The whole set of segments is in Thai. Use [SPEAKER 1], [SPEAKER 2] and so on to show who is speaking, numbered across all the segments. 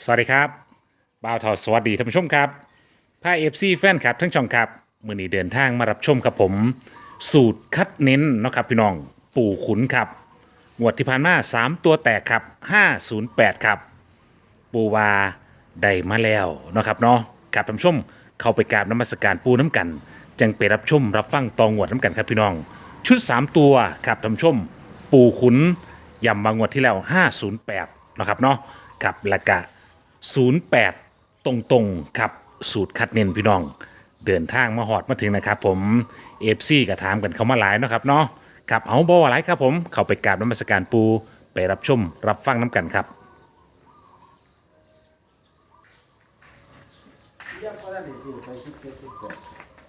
[SPEAKER 1] สวัสดีครับบ่าวทอสวัสดีท่านผู้ชมครับพาเอฟซีแฟนคลับทั้งช่องครับมือนี้เดินทางมารับชมครับผมสูตรคัดเน้นเนาะครับพี่น้องปู่ขุนครับงวดที่ผ่านมา3ตัวแตกครับ508ครับปูวาได้มาแล้วเนาะครับเนาะกับท่านผู้ชมเข้าไปกราบน้ำมัสการปูน้ำกันจังไปรับชมรับฟังตองวดน้ำกันครับพี่น้องชุด3ตัวครับท่านผู้ชมปู่ขุนยำบางงวดที่แล้ว508เนาะครับเนาะกับละกะ 08ตรงๆครับสูตรคัดเน้นพี่น้องเดินทางมาหอดมาถึงนะครับผมเอฟซีก็ถามกันเข้ามาหลายเนาะครับเนาะครับเอาบ่ว่าหลายครับผมเข้าไปกราบน้ำมัสการปูไปรับชมรับฟังน้ำกันครับ
[SPEAKER 2] ยังก็ได้สิไปคิดเก็บคิดเก็บ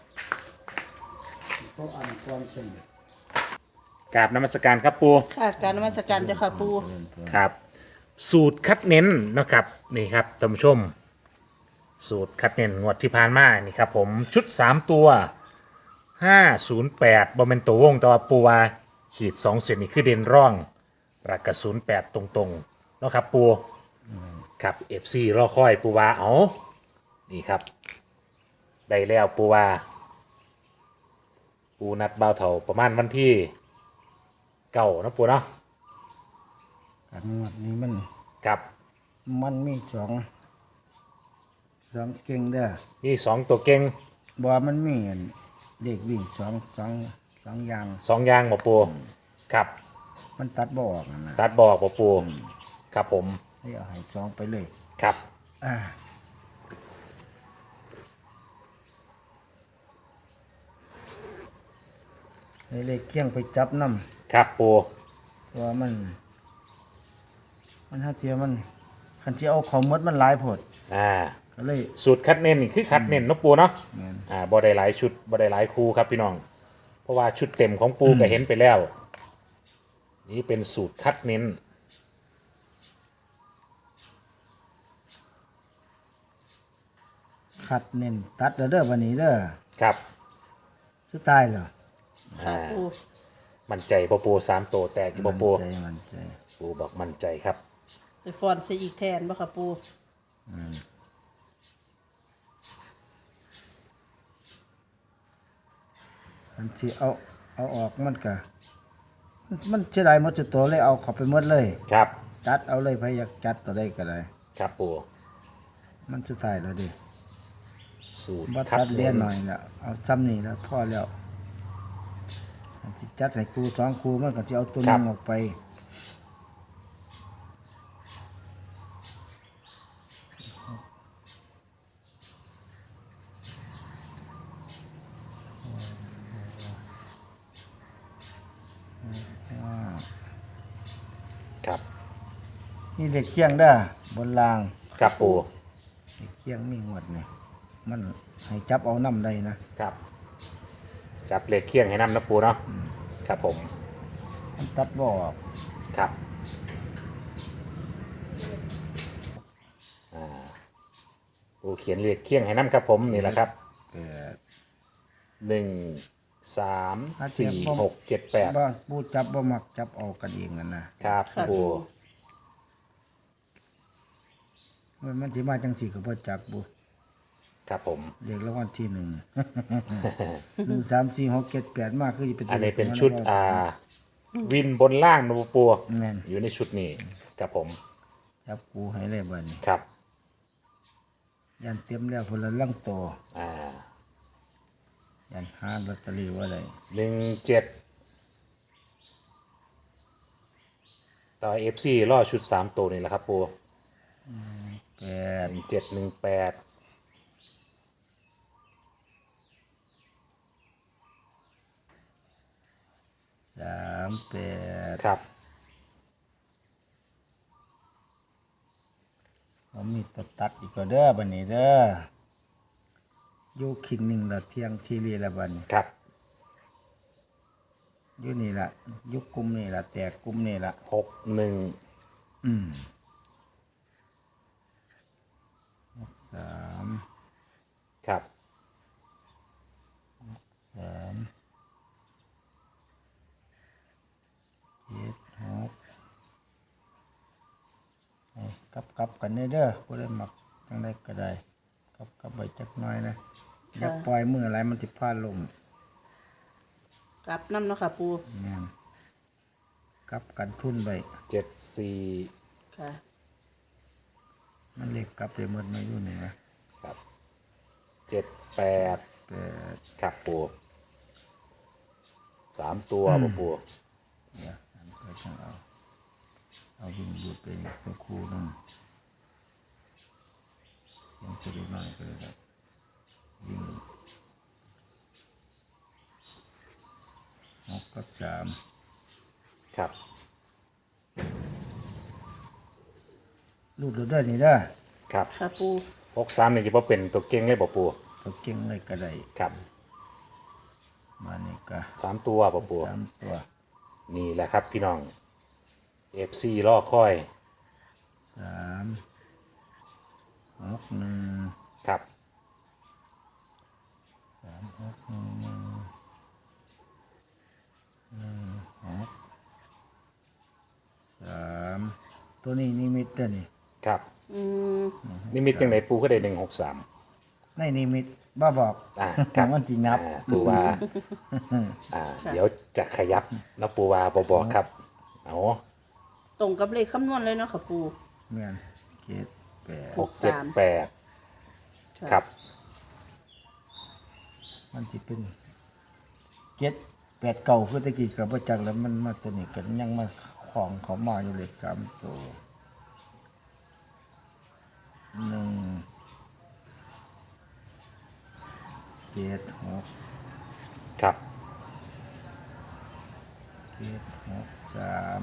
[SPEAKER 2] เพราะอันความเป็น
[SPEAKER 1] กราบน้ำมัสการครับปู
[SPEAKER 3] ค่ะการนมัสการเจ้าค่ะปู
[SPEAKER 1] ครับสูตรคัดเน้นเนาะครับนี่ครับท่านผู้ชมสูตรคัดเน้นงวดที่ผ่านมานี่ครับผมชุด3ตัว508บอมเมนตัววงแต่ว่าปูวาขีด2เซนนี่คือเด่นร่องรักกระ08ตรงๆเนาะครับปูครับ FC รอคอยปูวาเอานี่ครับได้แล้วปูวาปูนัดเบาเถาประมาณวันที่เก่านะปูเนาะ
[SPEAKER 2] การงวดนี้มัน
[SPEAKER 1] ครับ
[SPEAKER 2] มันมีสองเก่งเด้อ
[SPEAKER 1] นี่2ตัวเก่ง
[SPEAKER 2] บ่มันมีอันเด็กวิ่งสองอย่าง
[SPEAKER 1] 2อย่างบ่ปูครับ
[SPEAKER 2] มันตัดบ่ออกนั่นนะ
[SPEAKER 1] ตัดบอกบ่ปูครับผม
[SPEAKER 2] ให้เอาให้สองไปเลย
[SPEAKER 1] ครับ
[SPEAKER 2] อ่าให้เลขเคียงไปจับน้ำ
[SPEAKER 1] ครับปู
[SPEAKER 2] เพราะว่ามันถ้าเสียมันคันที่เอาของหมดมันหลายโพด
[SPEAKER 1] อ่า
[SPEAKER 2] ก็เลย
[SPEAKER 1] สูตรคัดเน้นนี่คือคัดเน้นเนาะปูเนาะ
[SPEAKER 2] แม่น
[SPEAKER 1] บ่ได้หลายชุดบ่ได้หลายคูครับพี่น้อง เพราะว่าชุดเต็มของปูก็เห็นไปแล้ว นี่เป็นสูตรคัดเน้น
[SPEAKER 2] ขัดเน้นตัดเด้อวันนี้เด้อ
[SPEAKER 1] ครับ
[SPEAKER 2] สุดท้ายเหรอ
[SPEAKER 3] ค่ะปู
[SPEAKER 1] มั่นใจบ่ปู3ตัวแตกอยู่บ่ปู
[SPEAKER 2] มันใจ
[SPEAKER 1] ปูบอกมั่นใจครับ
[SPEAKER 3] ไปฟอนใส่อีกแทนบ่ค่ะปู
[SPEAKER 2] อันที่เอาออกมันก็มันเสียดายหมดจุดตัวเลยเอาเข้าไปหมดเลย
[SPEAKER 1] ครับ
[SPEAKER 2] จัดเอาเลยพยายามจัดตัวได้ก็ได้
[SPEAKER 1] ครับปู
[SPEAKER 2] มันสุดท้ายแล้วดิ
[SPEAKER 1] สูตร
[SPEAKER 2] บ่
[SPEAKER 1] คั
[SPEAKER 2] ตั
[SPEAKER 1] ด
[SPEAKER 2] ดเลีย
[SPEAKER 1] เน้
[SPEAKER 2] น
[SPEAKER 1] น
[SPEAKER 2] หน่อยแล้วเอาซ้ำนี่แล้วพอแล้วอันที่จัดใส่ครูสองครูมันก็จะเอาตัวหนึงออกไป
[SPEAKER 1] ครับ
[SPEAKER 2] นี่เด็กเคียงเด้อบนราง
[SPEAKER 1] ครับปู
[SPEAKER 2] เด็กเคียงมีหมดนี่มันให้จับเอาน้ำได้นะครับ
[SPEAKER 1] จับเลขเคียงให้นำนะปูเนาะครับผม
[SPEAKER 2] มันตัดบ่ออก
[SPEAKER 1] ครับปูเขียนเลขเคียงให้นำครับผมนี่แหละครับ 1 3 4 6 7 8
[SPEAKER 2] บ่ปูจับบ่มักจับเอากันเองนั่นนะครับ
[SPEAKER 1] ปู
[SPEAKER 2] มันสิมาจังสี่ก็บ่จักบ่
[SPEAKER 1] ครับผม
[SPEAKER 2] เรียกรางวัลที่ 1 1 3 4 6 7 8มาคือสิเป็น
[SPEAKER 1] อันนี้เป็นชุดวินบนล่างนะปู
[SPEAKER 2] แม่น
[SPEAKER 1] อยู่ในชุดนี้ครับผม
[SPEAKER 2] จับกูให้เลยบัดนี้
[SPEAKER 1] ครับ
[SPEAKER 2] ยันเตรียมแล้วพุ่นละลังโต
[SPEAKER 1] อ่า
[SPEAKER 2] ยันหาลอตเตอรี่ไว้เลย
[SPEAKER 1] 17ต่อ FC ล่อชุด3ตัวนี่แหละครับปู
[SPEAKER 2] 8
[SPEAKER 1] 1718
[SPEAKER 2] 3 8
[SPEAKER 1] ครับ
[SPEAKER 2] ผมมีตัวตัดอีกก็เด้อบัดนี้เด้ออยู่คิงหนึ่งละเที่ยงทีรีละบัดนี้
[SPEAKER 1] ครับ
[SPEAKER 2] อยู่นี่ละยุคกลุ่มนี่ละแตกกลุ่มนี่ละ
[SPEAKER 1] 61
[SPEAKER 2] 3
[SPEAKER 1] ครับ
[SPEAKER 2] 3 7 6กับกลับกันเด้อผู้ใดมักจังไดก็ได้กลับไปจักหน่อยนะอย่าปล่อยมืออะไรมันสิพลาดลม
[SPEAKER 3] กลับน้ำเนาะค่ะปู
[SPEAKER 2] แม่นกลับกันทุนไป
[SPEAKER 1] 74
[SPEAKER 3] ค่ะ
[SPEAKER 2] มันเลขกลับไปหมดมาอยู่นี่นะ
[SPEAKER 1] ครับ78
[SPEAKER 2] แต่
[SPEAKER 1] ครับปู3ตัวบ่ปู
[SPEAKER 2] เดี๋ยวอันก็จังเอาวิ่งดูดไปตัวคู่นึงยังจะได้น้อยก็เลยครับวิ่ง6 กับ 3
[SPEAKER 1] ครับ
[SPEAKER 2] ลูกเด้อนี่เด้อ
[SPEAKER 1] ครับ
[SPEAKER 3] ค่ะปู
[SPEAKER 1] 63นี่จะบ่เป็นตัวเก่งเลยบ่ปู
[SPEAKER 2] ตัวเก่งเลยก็ได้
[SPEAKER 1] ครับ
[SPEAKER 2] มานี่ก็
[SPEAKER 1] 3ตัวบ่ปู
[SPEAKER 2] 3 ตัว
[SPEAKER 1] นี่แหละครับพี่น้อง FC รอคอย
[SPEAKER 2] 3 6 1
[SPEAKER 1] ครับ
[SPEAKER 2] 3 6 3ตัวนี้นิมิตเด้อนี่
[SPEAKER 1] ครับ
[SPEAKER 3] อืม
[SPEAKER 1] นี่มีจังไหนปูก็ได้163
[SPEAKER 2] ในนิมิตบ้าบอก
[SPEAKER 1] ครับ
[SPEAKER 2] มันสินับ
[SPEAKER 1] ปูว่าเดี๋ยวจะขยับนะปูว่าบบอกครับเอา
[SPEAKER 3] ตรงกับเลขคำนวณเลยเนาะค่ะปู
[SPEAKER 2] แม่นเจ็ดแปด
[SPEAKER 1] 678ครับ
[SPEAKER 2] มันสิเป็นเจ็ดแปดเก่าคือตะกี้กับประจักษ์แล้วมันมาตัวนี้กันยังมาของเขามาอยู่เลข3 ตัว1 7 6
[SPEAKER 1] ครับ
[SPEAKER 2] 7 6 3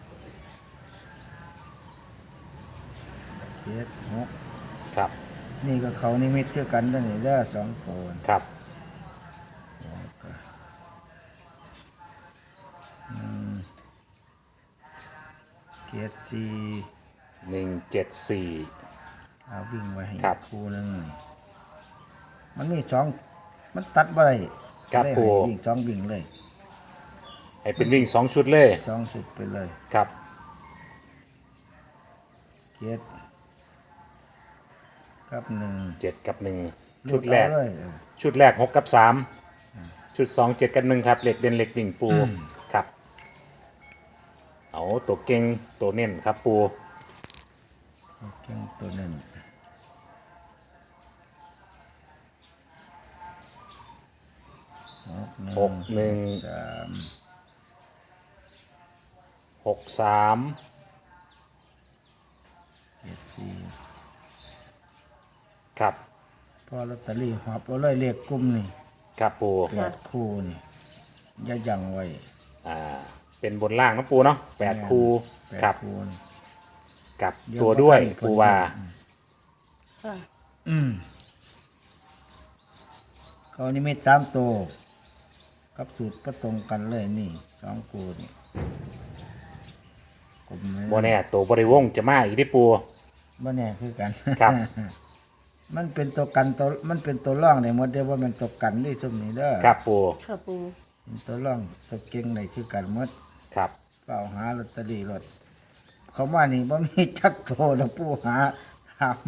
[SPEAKER 2] 7 6
[SPEAKER 1] ครับ
[SPEAKER 2] นี่ก็เขานิมิตคือกันตัวนี้เด้อ2 ตัว
[SPEAKER 1] ครับ
[SPEAKER 2] 7 4
[SPEAKER 1] 174
[SPEAKER 2] เอาวิ่งไว้ให้
[SPEAKER 1] ครับ
[SPEAKER 2] คู่หนึงมันมี2มันตัดบ่ได้
[SPEAKER 1] ครับ
[SPEAKER 2] เลย
[SPEAKER 1] ปู
[SPEAKER 2] ให้วิ่ง2วิ่งเลย
[SPEAKER 1] ให้เป็นวิ่ง2ชุดเลย
[SPEAKER 2] 2สุดไปเลย
[SPEAKER 1] ครับ
[SPEAKER 2] 7กับ1
[SPEAKER 1] 7 กับ 1 ชุดแรก
[SPEAKER 2] เลย
[SPEAKER 1] ชุดแรก 6 กับ 3 ชุด 2 7 กับ 1 ครับเหล็กเด่นเหล็กวิ่งปูครับ เอาตัวเก่งตัวเน้นครับปู
[SPEAKER 2] เก่งตัวหนึ่ง
[SPEAKER 1] 6 1
[SPEAKER 2] 3
[SPEAKER 1] 6 3
[SPEAKER 2] 7 4
[SPEAKER 1] ครับ
[SPEAKER 2] พอลอตเตอรี่หอบเอาเลยเลขกลุ่มนี่
[SPEAKER 1] ครับปู
[SPEAKER 2] 8 คู่นี่อย่ายังไว้
[SPEAKER 1] เป็นบนล่างนะปูเนาะ8 คู่
[SPEAKER 2] 8
[SPEAKER 1] ครับ
[SPEAKER 2] คู่นี่
[SPEAKER 1] กับตัวด้วยปูว่า
[SPEAKER 3] ค่ะ
[SPEAKER 2] เขานี่ไม่3ตัวกับสูตรประตรงกันเลยนี่2คู่นี่กลุ่มนี้
[SPEAKER 1] โมแน่ตัวบริวงจะมาอีกที่ปู
[SPEAKER 2] บ่แน่คือกัน
[SPEAKER 1] ครับ
[SPEAKER 2] มันเป็นตัวกันตัวมันเป็นตัวร่องได้หมดเด้อว่ามันตัวกันนี่ซุมนี้เด้อ
[SPEAKER 1] ครับปู
[SPEAKER 3] ค่ะปู
[SPEAKER 2] เป็นตัวร่องตัวเก่งได้คือกันหมด
[SPEAKER 1] ครับ
[SPEAKER 2] เปล่าหาลอตเตอรี่รถเขาว่านี่บ่มีจักโตแล้วผู้หาถาม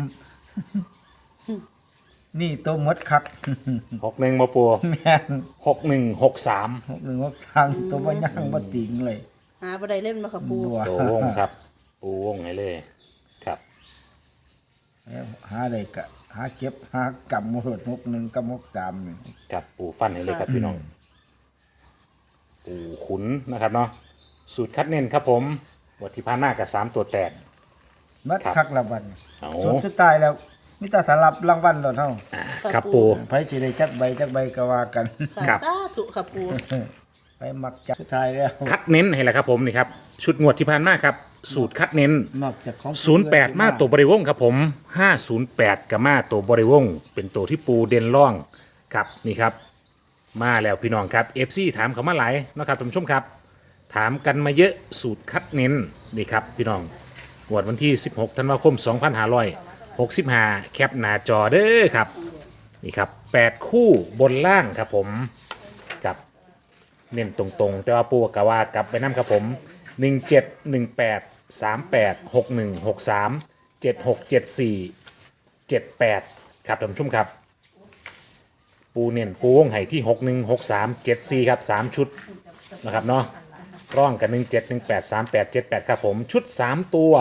[SPEAKER 2] นี่ตัวหมดคัก
[SPEAKER 1] 61มาปู
[SPEAKER 2] แม่น
[SPEAKER 1] 61 63
[SPEAKER 2] 1 6 3ตัวบ่ย่างบ่ติงเลย
[SPEAKER 3] หาบ่ได้เล่นเนาะค่ะปู
[SPEAKER 2] บัว
[SPEAKER 1] ตัววงครับ ปูวงให้เลยครับ
[SPEAKER 2] แล้วหาได้ก็หาเก็บหากำหมด61กับ63นี่
[SPEAKER 1] ครับปูฟันให้เลยครับพี่น้อง ปูขุนนะครับเนาะสูตรคัดเน้นครับผมวัตถิพานหน้ากับ3ตัวแตก
[SPEAKER 2] มัด
[SPEAKER 1] ครับ
[SPEAKER 2] คักละวัน
[SPEAKER 1] เอา
[SPEAKER 2] สุดท้ายแล้วมีแต่สารับรางวัลแล้วเฮา
[SPEAKER 1] ครับปู
[SPEAKER 2] ไผสิได้จักใบก็ว่ากัน
[SPEAKER 3] ค่ะ
[SPEAKER 1] ครับ
[SPEAKER 3] สาธุค่ะปู
[SPEAKER 2] ไปมักจักสุดท้ายแล้ว
[SPEAKER 1] คัดเน้นให้แหละครับผมนี่ครับชุดงวดที่ผ่านมาครับ สูตรคัดเน้น
[SPEAKER 2] นอกจากของ
[SPEAKER 1] 08 มาตัวบริวงครับผม 508 กับมาตัวบริวง เป็นตัวที่ปูเด่นร่องครับนี่ครับ มาแล้วพี่น้องครับ FC ถามเขามาหลายเนาะครับท่านผู้ชมครับ ถามกันมาเยอะสูตรคัดเน้นนี่ครับพี่น้องงวดวันที่ 16 ธันวาคม 2565 แคปหน้าจอเด้อครับนี่ครับ 8 คู่บนล่างครับผมกับเน้นตรงๆ แต่ว่าปูกะว่ากลับไปน้ำครับผม 17 18 38 61 63 767478ครับท่านผู้ชมครับปูเน้นปูวงไห่ที่616374ครับ3ชุดนะครับเนาะร่องกัน17183878ครับผมชุด3ตัว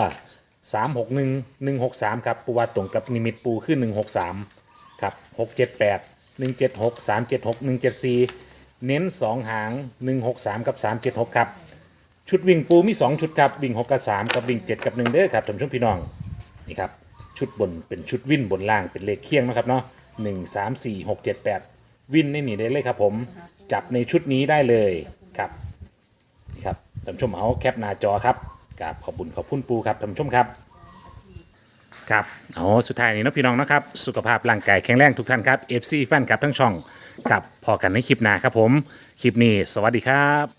[SPEAKER 1] 361163ครับปูว่าตรงกับนิมิตปูขึ้น163ครับ678 176 376 174เน้น2หาง163กับ376ครับชุดวิ่งปูมี2ชุดครับวิ่ง6กับ3กับวิ่ง7กับ1เด้อครับท่านผู้ชมพี่น้องนี่ครับชุดบนเป็นชุดวิ่นบนล่างเป็นเลขเคียงนะครับเนาะ1 3 4 6 7 8วิ่นในนี่ได้เลยครับผมจับในชุดนี้ได้เลยครับนี่ครับท่านผู้ชมเอาแคปหน้าจอครับกับขอบคุณปูครับท่านผู้ชมครับครับเอาสุดท้ายนี้นะพี่น้องนะครับสุขภาพร่างกายแข็งแรงทุกท่านครับ FC แฟนคลับทั้งช่องครับพอกันในคลิปหน้าครับผมคลิปนี้สวัสดีครับ